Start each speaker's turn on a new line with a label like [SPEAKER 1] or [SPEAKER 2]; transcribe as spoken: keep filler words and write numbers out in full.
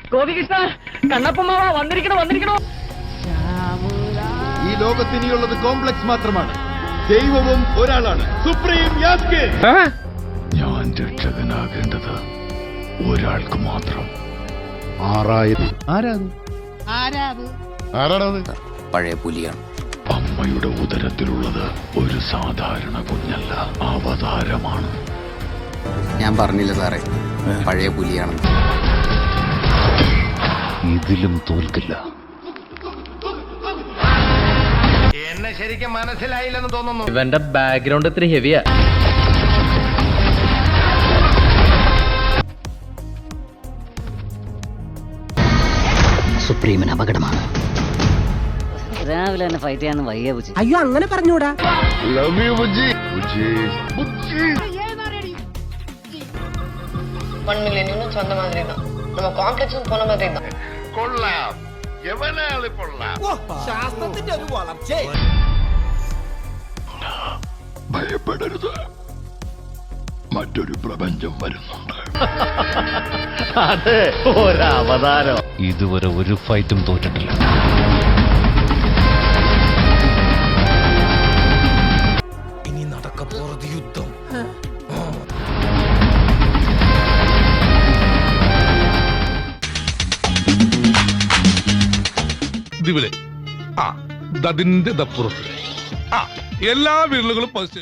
[SPEAKER 1] ഗോപികൃഷ്ണ കണ്ണപ്പമാവ വന്നിരിക്കണോ വന്നിരിക്കണോ.
[SPEAKER 2] ഈ ലോകത്തിനിയുള്ളത് കോംപ്ലക്സ് മാത്രമാണ്. ദൈവവും ഒരാളാണ്, സുപ്രീം യാസ്കിൻ.
[SPEAKER 3] ഞാൻ രക്ഷകനാകേണ്ടത് ഒരാൾക്ക് മാത്രം.
[SPEAKER 2] ആറായിരം ആരാത്?
[SPEAKER 4] പഴയ പുലിയാണ്.
[SPEAKER 3] അമ്മയുടെ ഉദരത്തിലുള്ളത് ഒരു സാധാരണ കുഞ്ഞല്ല, അവതാരമാണ്.
[SPEAKER 4] ഞാൻ പറഞ്ഞില്ല സാറേ, പഴയ പുലിയാണ്.
[SPEAKER 3] ഇതിലും തോൽക്കില്ല.
[SPEAKER 2] എന്നെ ശരിക്കും മനസ്സിലായില്ലെന്ന് തോന്നുന്നു.
[SPEAKER 1] ഇവന്റെ ബാക്ക്ഗ്രൗണ്ട് ഇത്തിരി ഹെവിയാ.
[SPEAKER 5] സുപ്രീമിന് അപകടമാണ്.
[SPEAKER 6] രാവിലെ തന്നെ ഫൈറ്റ് ചെയ്യാൻ വയ്യ ബുജി.
[SPEAKER 5] അയ്യോ അങ്ങനെ പറഞ്ഞൂടാ.
[SPEAKER 3] Love you Bujji. Bujji Bujji
[SPEAKER 7] one million units வந்த மாதிரி தான், நம்ம காம்ப்ளெக்ஸும் போன மாதிரி தான்.
[SPEAKER 3] കൊള്ളാം. എവനാള് കൊള്ളാം.
[SPEAKER 5] ശാസ്ത്രത്തിന്റെ ഒരു വളർച്ച.
[SPEAKER 3] ഭയപ്പെടരുത്, മറ്റൊരു പ്രപഞ്ചം വരുന്നുണ്ട്.
[SPEAKER 1] അതെ, ഒരവതാരം.
[SPEAKER 3] ഇതുവരെ ഒരു ഫൈറ്റും തോറ്റിട്ടില്ല.
[SPEAKER 5] ഇനി നടക്കപ്പോറത് യുദ്ധം.
[SPEAKER 8] ഇതിവിടെ ആ ദതിന്റെ ദപ്പുറത്ത് ആ എല്ലാ വിരലുകളും